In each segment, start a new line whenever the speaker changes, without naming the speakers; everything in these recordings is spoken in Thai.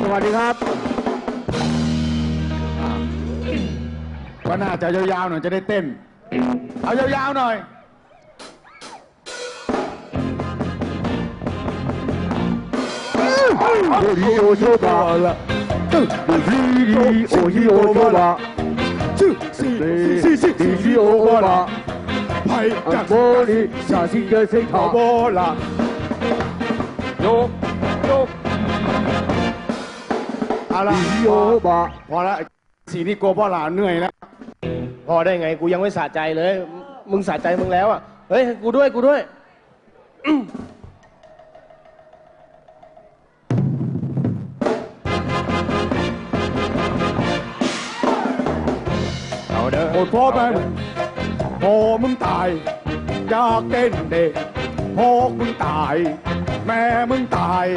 วัสดีครับ
ก็น่าจะยาวๆหน่อยจะได้เต้นเอายาวๆหน่อย
โอ้ยโอโชบะละโอ้ยโอโชบะซีโอบะละ
ไปจาก
โบลีชาซิเกเซทา
โบละโยกเอาละ
ซีโอบะ
พอละสีนี่โกพ่อหลานเหนื่อยแล้ว
พอได้ไงกูยังไม่สะใจเลย มึงสะใจมึงแล้วอ่ะเฮ้ยกูด้วย
เอาเด้อโอดพ่อไปพ่อมึงตายอยากเต้นเด็กพ่อมึงตาย แม่มึงตาย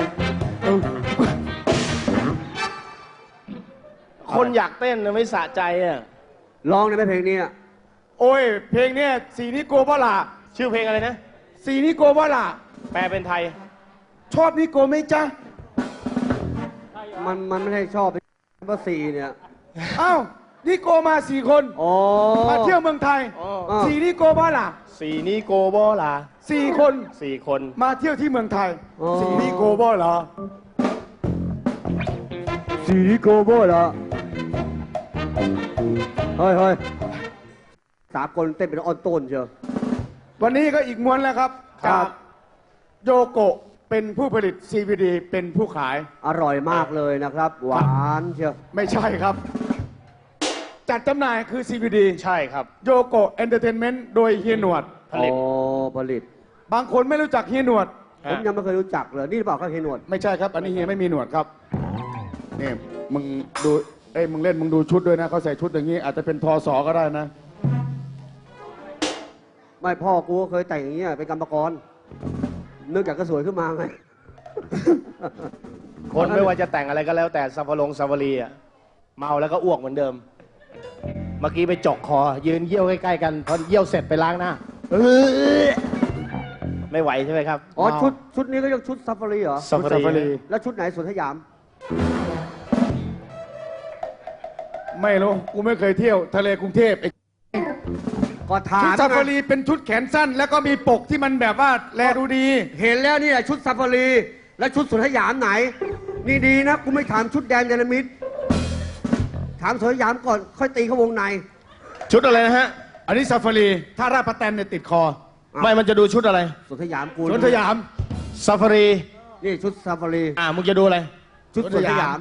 คนอยากเต้นนะไม่สะใจอ่ะ
ร้องได้ไหมเพลงนี้
โอ้ยเพลงเนี้ยสีนี่โกพ่อหลา
ชื่อเพลงอะไรนะ
สีนี่โกพ่อหลา
แปลเป็นไทย
ชอบนิโกไหมจ๊ะ
มันไม่ได้ชอบเพราะซีเนี่ย
อ้าวนิโกมา4 คน
อ๋อ
มาเที่ยวเมืองไทย
อ๋อ
สีนิโกพ่อหลา
สีนี้โกบอลา
4 คน
4 คน
มาเที่ยวที่เมืองไทยสีนิโกพ่อหลา
ซีโกโบละเฮ้ยสากลเต้นเป็นออนต้นเชียว
วันนี้ก็อีกม้วนแล้วครับ
ครั
จา
บ
กโยโกะเป็นผู้ผลิต CVD เป็นผู้ขาย
อร่อยมากเลยนะครับ หวานเชียว
ไม่ใช่ครับ จัดจำหน่ายคือ CVD
ใช่ครับ
โยโกะเอนเตอร์เทนเมนต์โดยเฮียหนวด
ผลิต
อ๋อผลิต
บางคนไม่รู้จักเฮียหนวด
ผมยังไม่เคยรู้จักเลยนี่หรือเปล่าครับเฮนวด
ไม่ใช่ครับ อันนี้เฮียไม่มีหนวดครับนี่มึงดูมึงเล่นมึงดูชุดด้วยนะเขาใส่ชุดอย่างนี้ อาจจะเป็นทอสอก็ได้นะ
ไม่พ่อกูก็เคยแต่งอย่างเงี้ยเป็นกรรมกรนึกอยากก็สวยขึ้นมาไง
คนไม่ว่าจะแต่งอะไรก็แล้วแต่ซาฟารีอ่ะเมาแล้วก็อ้วกเหมือนเดิม เมื่อกี้ไปจกคอ ยืนเยี่ยวใกล้ๆกันพอเยี่ยวเสร็จไปล้างหน้าไม่ไหวใช่ไหมครับ
อ๋อชุดนี้ก็เรียกชุดซาฟารีเหรอ
ซาฟารี
แล้วชุดไหนสวนสยาม
ไม่รู้กูไม่เคยเที่ยวทะเลกรุงเทพไอ้
ก็ถา
ชุด
ม
ซาฟารีเป็นชุดแขนสั้น แล้วก็มีปกที่มันแบบว่าแลดูดี
เห็นแล้วนี่แหละชุดซาฟารี แล้วชุดสวนสยามไหน นี่ดีนะกูไม่ถามชุดแดนเดลมิดถามสวนสยามก่อนค่อยตีเข้าวงใน
ชุดอะไรนะฮะ
อันนี้ซาฟารี ถ้าราดประแตนเนี่ยติดคอ
ไม่มันจะดูชุดอะไร
สวนสยามกู
สวนสยาม
ซาฟารี
นี่ชุดซาฟารี
มึงจะดูอะไร
ชุดสวนสยาม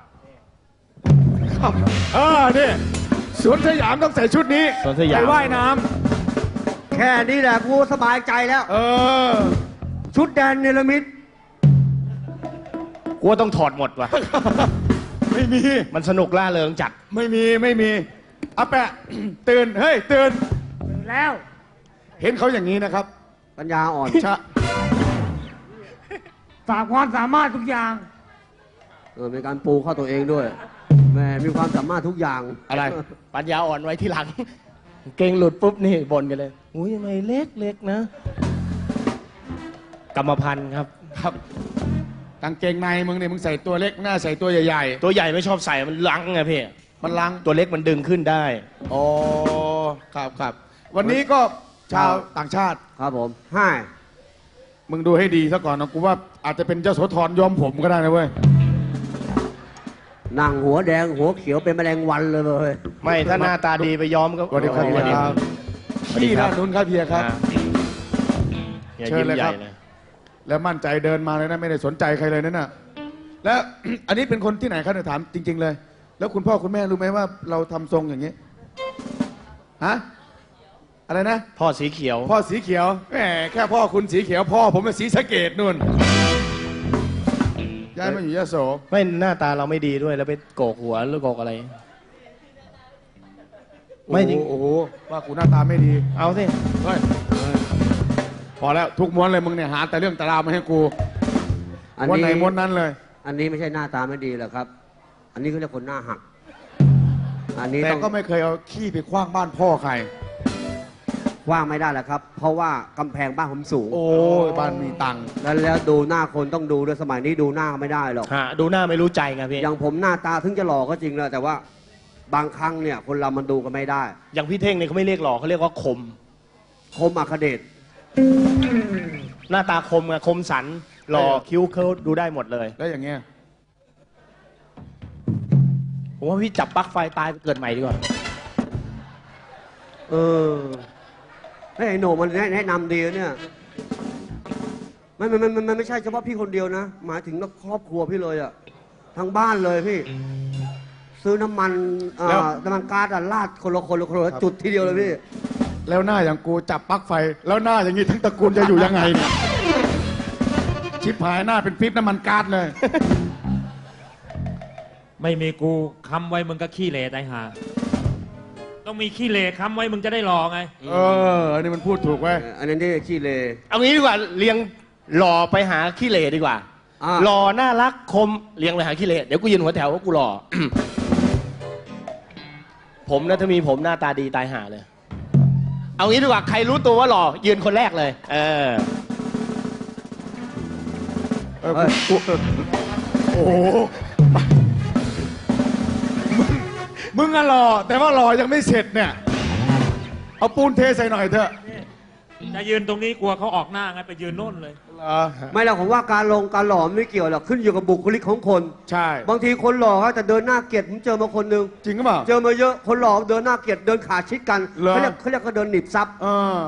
นี่สวนสยามต้องใส่ชุดนี้
สวนสยาม
ไปว่ายน้
แค่นี้แหละกูสบายใจแล้ว ชุดแดนเนลมิด
กูว่าต้องถอดหมดว่ะ
ไม่มี
มันสนุกล่าเริงจัด
ไม่มีอาแปะ ตื่น เฮ้ย ตื่น
แล้ว
เห็นเขาอย่างนี้นะครับ
ปัญญาอ่อน
ชะ
ฝากความสามารถทุกอย่าง
มีการปูเข้าตัวเองด้วยแหมมีความสามารถทุกอย่าง
อะไร ปัญญาอ่อนไว้ที่หลัง เก่งหลุดปุ๊บนี่บ่นกันเลยอุ้ยทำไมเล็กนะ กรรมพันธุ์ครับ
ครับกางเกงในมึงเนี่ยมึงใส่ตัวเล็กหน้าใส่ตัวใหญ่
ตัวใหญ่ไม่ชอบใส่มันลังไงพี่
ๆ มันลัง
ตัวเล็กมันดึงขึ้นได้
อ๋อครับ วันนี้ก็ชาวต่างชาติ
ครับผมให้
มึงดูให้ดีซะก่อนนะกูว่าอาจจะเป็นเจ้าโสธรย้อมผมก็ได้นะเว้ย
นั่งหัวแดงหัวเขียวเป็นแมลงวันเลยเว้ย
ไม่ถ้าหน้าตาดีไปย้อมก็
สวัสดีครับ
สวัสดีครับ
พี่ด้านนู้นครับเฮียครับ
อย่า
เชิญ
ยิ้ม
เลย
ให
ครั
ญ่
บ
นะ
แล้วมั่นใจเดินมาเลยนะไม่ได้สนใจใครเลยนั่นน่ะแล้ว อันนี้เป็นคนที่ไหนครับเนี่ยถามจริง ๆ เลย แล้วคุณพ่อคุณแม่รู้ไหมว่าเราทำทรงอย่างนี้ฮะอะไรนะ
พ่อสีเขียว
พ่อสีเขียวแหมแค่พ่อคุณสีเขียวพ่อผมเป็นสีสะเกดนู่นย้ายมาอยู่ยโส
ไม่หน้าตาเราไม่ดีด้วยแล้วไปโกกหัวหรือโกกอะไร ไม่จริง
โอ้โหว่ากูหน้าตาไม่ดี
เอาสิ
เฮ้ยพอแล้วทุกม้วนเลยมึงเนี่ยหาแต่เรื่องตารางมาให้กู
อัน
ม้วน
นี้
ไหนม้วนนั้นเลย
อันนี้ไม่ใช่หน้าตาไม่ดีหรอกครับ อันนี้เขาเรียกคนหน้าหัก อันนี้
แต่
ต้อง
ก็ไม่เคยเอาขี้ไปคว้างบ้านพ่อใคร
กว้างไม่ได้แล้วครับ เพราะว่ากำแพงบ้านผมสูง
โอ้ยบ้านมีตังค์
แล้วดูหน้าคนต้องดูด้วยสมัยนี้ดูหน้าไม่ได้หรอก
ฮะดูหน้าไม่รู้ใจไงพี่
อย่างผมหน้าตาถึงจะหล่อก็จริงแหละแต่ว่าบางครั้งเนี่ยคนเรามันดูกันไม่ได้
อย่างพี่เท่งเนี่ยเขาไม่เรียกหล่อเขาเรียกว่าคม
คมอัคเดช
หน้าตาคมไงคมสันหล่อคิ้วเขาดูได้หมดเลย
แล้วอย่างเงี้ย
ผมว่าพี่จับปลั๊กไฟตายไปเกิดใหม่ดีกว่า
เออไอ้โหนมันแนะนำดีนะเนี่ยมันไม่ใช่เฉพาะพี่คนเดียวนะหมายถึงครอบครัวพี่เลยอะทั้งบ้านเลยพี่ ซื้อน้ำมันน้ำมันก๊าซอะราดคนละจุดทีเดียวเลยพี่
แล้วหน้าอย่างกูจับปลั๊กไฟ แล้วหน้าอย่างนี้ทั้งตระกูลจะอยู่ยังไงเนี่ยชิบหายหน้าเป็นปิ๊บน้ำมันก๊าซเลย
ไม่มีกูค้ำไว้มึงก็ขี้เหร่ตายห่าต้องมีขี้เหร่ค้ำไว้มึงจะได้รอไง
เออ อันนี้มันพูดถูกไว้ย
อันนั้นที่ขี้เล
เอางี้ดีกว่าเรียงหล่อไปหาขี้เหร่ดีกว่า
อ่า
หล่อน่ารักคมเรียงไปหาขี้เหร่เดี๋ยวกูยืนหัวแถวว่ากูหล่อ ผมนะถ้ามีผมหน้าตาดีตายห่าเลย เอางี้ดีกว่าใครรู้ตัวว่าหล่อยืนคนแรกเลย เออ
โอ้โหมึงอะหล่อแต่ว่าหล่อยังไม่เสร็จเนี่ย เอาปูนเทใส่หน่อยเถอะ
จะยืนตรงนี้กลัวเขาออกหน้าไงไปยืนโน่นเลย
เหรอ
ไม่หรอกผมว่าการหล่อไม่เกี่ยวหรอกขึ้นอยู่กับบุคลิกของคน
ใช่
บางทีคนหล่อเขาแต่เดินหน้าเกลียดผมเจอมาคนหนึง
จริงหรือเปล่า
เจอมาเยอะคนหล่อเดินหน้าเกลียดเดินขาชิดกัน
เหรอ
เขาเรียกก็เดินหนีบซับ
เออ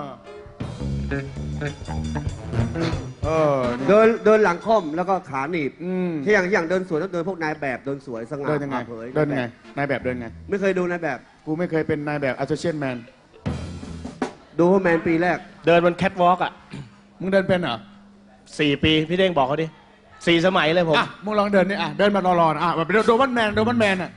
นี่
เดินหลังค่อมแล้วก็ขาหนีบ
อืม
ที่อย่างเดินสวยต้องเดินพวกนายแบบเดินสวยสง่า
เดินยังไง
ผ่าเผย
เดินยังไง นายแบบเดินไง
ไม่เคยดูนายแบบ
กูไม่เคยเป็นนายแบบ associate man
ดูแมนปีแรก
เดินบนแคทวอล์กอ่ะ
มึงเดินเป็นเหรอ
4 ปีพี่เด้งบอกเขาดิ4 สมัยเลยผม
อ่ะ มึงลองเดินนี่อ่ะ เดินมารอๆนะอ่ะแบบโดมันแมนโดมันแมนอ่ะ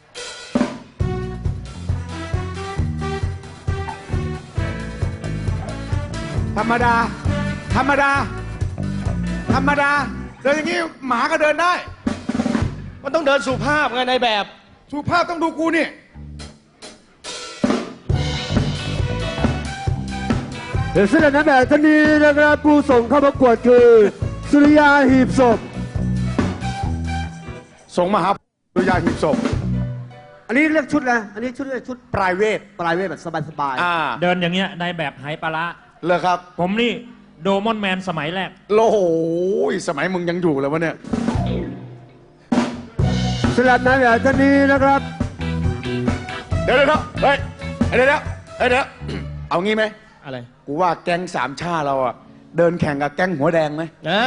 ธรรมดา ธรรมดา ธรรมดา เดินอย่างนี้หมาก็เดินได้
มันต้องเดินสุภาพไงในแบบ
สุภาพต้องดูกูนี่
เดี๋ยวเสนอแบบท่านนี้นะครับผู้ส่งเข้าประกวดคือสุริยาหีบศพ
ส่งมาหาดุยาหีบศพ
อันนี้เรียกชุดอะไรอันนี้ชุด
private
ปลายเวทแบบสบาย
อ่า
เดินอย่างเงี้ยในแบบไหปลาร้า
เลยครับ
ผมนี่โดมอนแมนสมัยแรก
โอ้โหสมัยมึงยังอยู่เลยวะเนี่ย
ๆสลับนายแบบท่านนี้นะครับ
เดี๋ยวเฮ้ยเดี๋ยวเอางี้ไหม
อะไร
กูว่าแก๊งสามชาเราอะเดินแข่งกับแก๊งหัวแดงไหม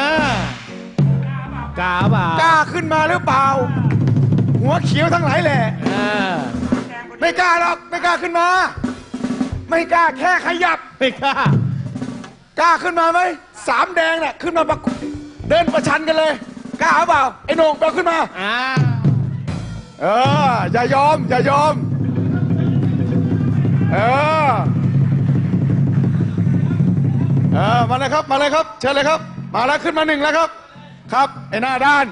กาเปล่าก
ล้าขึ้นมาหรือเปล่า หัวเขียวทั้งหลายแหละ
อ่า
ไม่กล้าหรอกไม่กล้าขึ้นมา ไม่กล้าแค่ขยับ
ไม่กล้าก
ล้าขึ้นมาไหมสามแดงน่ะขึ้นมาเดินประชันกันเลย กล้าหรือเปล่าไอ้โหน่งไปเอาขึ้นมา
อ่า
อย่ายอมเมาเลยครับเชิญเลยครับ มาแล้วขึ้นมา1แล้วครับ ครับไอ้หน้าด้าน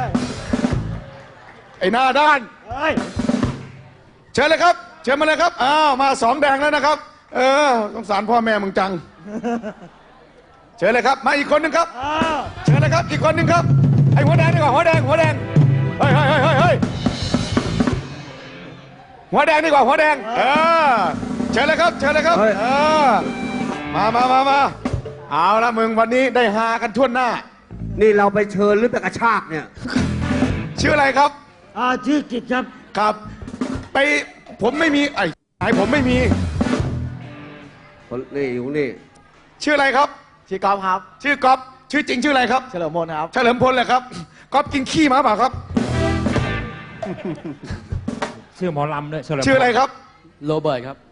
เชิญเลยครับเชิญมาเลยครับอ้าวมา2แดงแล้วนะครับสงสารพ่อแม่มึงจังเชิญเลยครับมาอีกคนหนึ่งครับเชิญเลยครับอีกคนหนึ่งครับไอ้หัวแดงดีกว่าหัวแดงเฮ้ยหัวแดงดีกว่าหัวแดงเชิญเลยครับมาเอาละมึงวันนี้ได้ฮากันทั่วหน้า
นี่เราไปเชิญหรือไปกระชากเนี่ย
ชื่ออะไรครับ
ชื่อกิจครับ
ครับไปผมไม่มีไอ้ผมไม่มี
คนนี่อยู่นี่
ชื่ออะไรครับ
ชื่อกอล์ฟครับ
ชื่อก๊อฟชื่อจริงชื่ออะไรครับ
เฉลิมพลครับ
เฉลิมพลเลยครับก๊อฟกินขี้มาเปล่าครับ
ชื่อหมอลำด้วยเฉลิม
ชื่ออะไรครับ
โรเบิร์ตครับ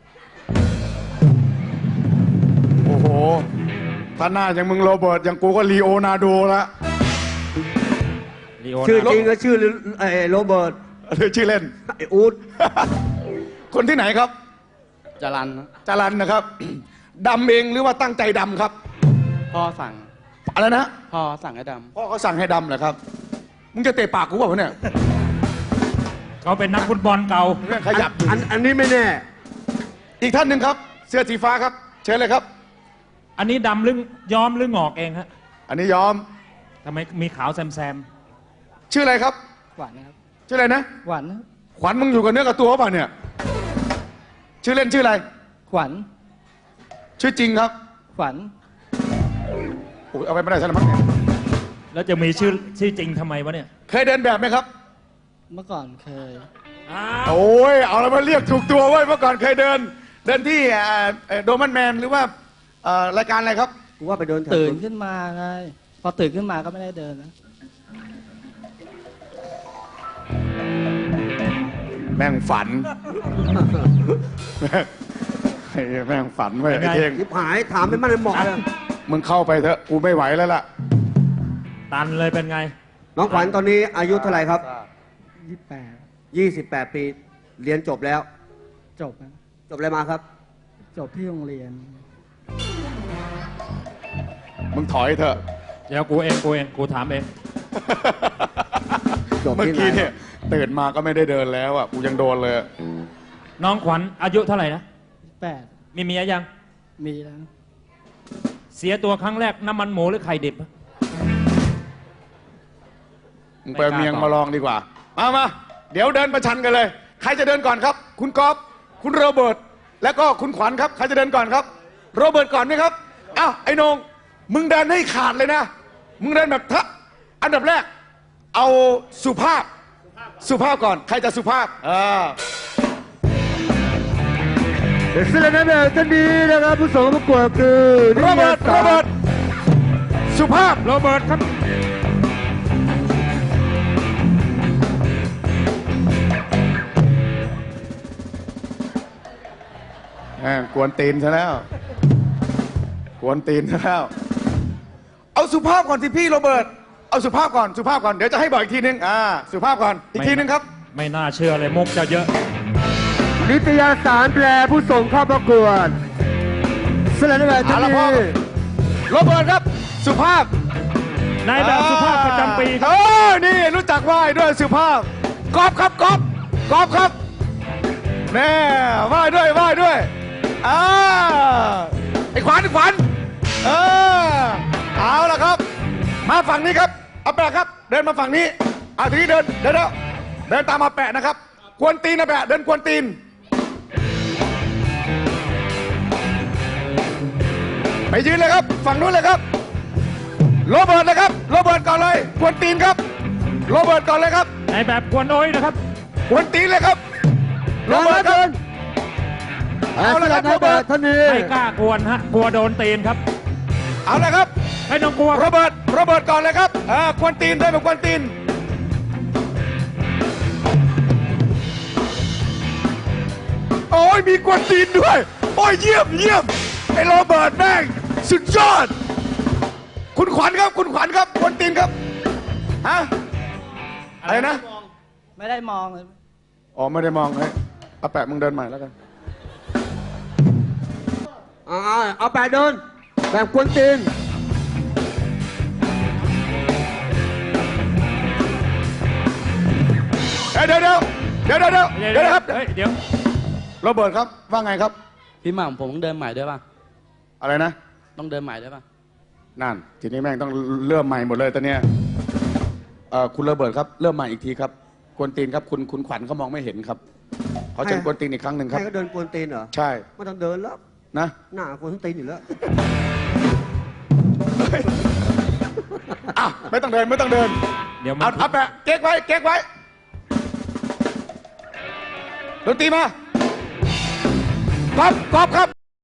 โอ้โหถ้าหน้าอย่างมึงโรเบิร์ตอย่างกูก็ลีโอนาร์โดละ
ลีโอ
ชื่อ
นาร์โด
จริงก็ชื่อโรเบิร์ต
หรือชื่อเล่น
ไอ้อูด
คนที่ไหนครับ
จรัน
จรันนะครับ ดำเองหรือว่าตั้งใจดำครับ
พ่อสั่ง
อะไรนะ
พ่อสั่งให้ด
พ่อเขาสั่งให้ดำเหรอครับมึงจะเตะปากกูเปล่าเนี่ย
เขาเป็นนักฟุตบอลเก่า
เรื่องขยับ
อันนี้ไม่แน่
อีกท่านหนึ่งครับ เสื้อสีฟ้าครับเชิญเลยครับ
อันนี้ดำหรือย้อมหรืองอกเองฮะ
อันนี้ยอม
ทำไมมีขาวแซม
ชื่ออะไรครับ
หวานนะครับ
ชื่ออะไรนะ
หวานนะครับ
ขวัญมึงอยู่กับเนื้อกับตัวเปล่าเนี่ย ชื่อเล่นชื่ออะไร
ขวัญ
ชื่อจริงครับ
ขวัญ
โอ้ยเอาไปไม่ได้ซะแล้วมั้งเนี่ย
ๆแล้วจะมีชื่อจริงทำไมวะเนี่ย
เคยเดินแบบไหมครับ
เมื่อก่อนเคย
อ้าว
โอ้ยเอาแล้วมาเรียกถูกตัวเว้ยเมื่อก่อนเคยเดินที่โดมันแมนหรือว่ารายการอะไรครับ
กูว่าไปเดินแถว
ตื่น
สวน
ขึ้นมาไง พอตื่นขึ้นมาก็ไม่ได้เดินนะ
แม่งฝัน ไอ้แม่งฝันเว้ยไอ้เท่ง
ยิบหายถามไม่มั่นไม่เหมาะเลย
มึงเข้าไปเถอะกูไม่ไหวแล้วล่ะ
ตันเลยเป็นไง
น้องขวัญตอนนี้อายุเท่าไหร่ครับ
28
28 ปี เรียนจบแล้ว
จบนะ
จบอะไรมาครับ
จบที่โรงเรียน
มึงถอยเถอะ
เดี๋ยวกูเองกูถามเอง
จบ
เมื่อ
ที่ไหน
กี้เนี่ยตื่นมาก็ไม่ได้เดินแล้วอ่ะกูยังโดนเลย
น้องขวัญอายุเท่าไหร่นะ
8
มีเมียยัง
มีแล้ว
เสียตัวครั้งแรกน้ำมันหมูหรือไข่ดิบ
มึงไปเอาเมียงมาลองดีกว่า มาเดี๋ยวเดินประชันกันเลย ใครจะเดินก่อนครับ คุณก๊อฟคุณโรเบิร์ตแล้วก็คุณขวัญครับใครจะเดินก่อนครับ โรเบิร์ตก่อนไหมครับอ้าวไอ้โหนงมึงเดินให้ขาดเลยนะ มึงเดินแบบอันดับแรก เอาสุภาพก่อน ใครจะสุภาพ
เด็กเสื้อน้ำเงินท่านนี้นะครับผู้ส่งประกวดคือ
โรเบิร์ตสุภาพ
โรเบิร์ตครับ
กวนตีนซะแล้ว เอาสุภาพก่อนสิพี่โรเบิร์ตเอาสุภาพก่อนเดี๋ยวจะให้บอกอีกทีนึงสุภาพก่อนอีกทีนึงครับ
ไม่น่าเชื่อเลยมุกจะเยอะ
นิตยสารแปลผู้ส่งเข้าประกวดเสื้อน้ำเงินท่าน
เอาละพ่อ
นี้
โรเบิร์ตครับสุภาพ
นายแบบสุภาพประจำปีครับ
นี่รู้จักไหว้ด้วยสุภาพกอบครับแน่ไหว้ด้วยไอ้ขวัญเอาละครับ มาฝั่งนี้ครับเอาแปะครับ เดินมาฝั่งนี้ทีนี้เดินตามมาแปะนะครับกวนตีนนะแปะเดินกวนตีนไปยืนเลยครับฝั่งนู้นเลยครับโรเบิร์ตเลยครับโรเบิร์ตก่อนเลยกวนตีนครับโรเบิร์ตก่อนเลยครับ
นายแบบกวนโอ้ยนะครับ
กวนตีนเลยครับโรเบิร์ตครับ เอาละครับโรเบิร์ต
ท่านนี้
ไม่กล้ากวนฮะกลัวโดนตีนครับ
เอาละครับ
ไม่ต้องกลัว
โรเบิร์ตก่อนเลยครับกวนตีนได้แบบกวนตีนโอ้ยมีกวนตีนด้วยโอ้ยเยี่ยมไอ้โรเบิร์ตแม่งสุดยอดคุณขวัญครับกวนตีนครับฮะอะไรนะ
ไม่ได้มองเลย
อ๋อไม่ได้มองเอาแปะมึงเดินใหม่แล้วกัน
เอาแปดเดินแบบกวนตีน
เดี๋ยวครับ
เฮ้ยเดี๋ยว
โรเบิร์ตครับว่าไงครับ
พี่หม่ำผมต้องเดินใหม่ด้วยป่ะ
อะไรนะ
ต้องเดินใหม่ด้วยป่ะ
นั่นทีนี้แม่งต้องเริ่มใหม่หมดเลยตอนเนี้ยคุณโรเบิร์ตครับเริ่มใหม่อีกทีครับกวนตีนครับคุณขวัญเขามองไม่เห็นครับขอเชิญกวนตีนอีกครั้งหนึ่งครับ
ให้ก็เดินกวนตีนเหรอ
ใช่
ไม่ต้องเดินแล้ว
นะ
หน้ากวนตีนอยู่แล้ว
ไม่ต้องเดิน
เดี๋ยวมัน
เอาแปะเก๊กไว้ดนตรีมาก๊อฟครับ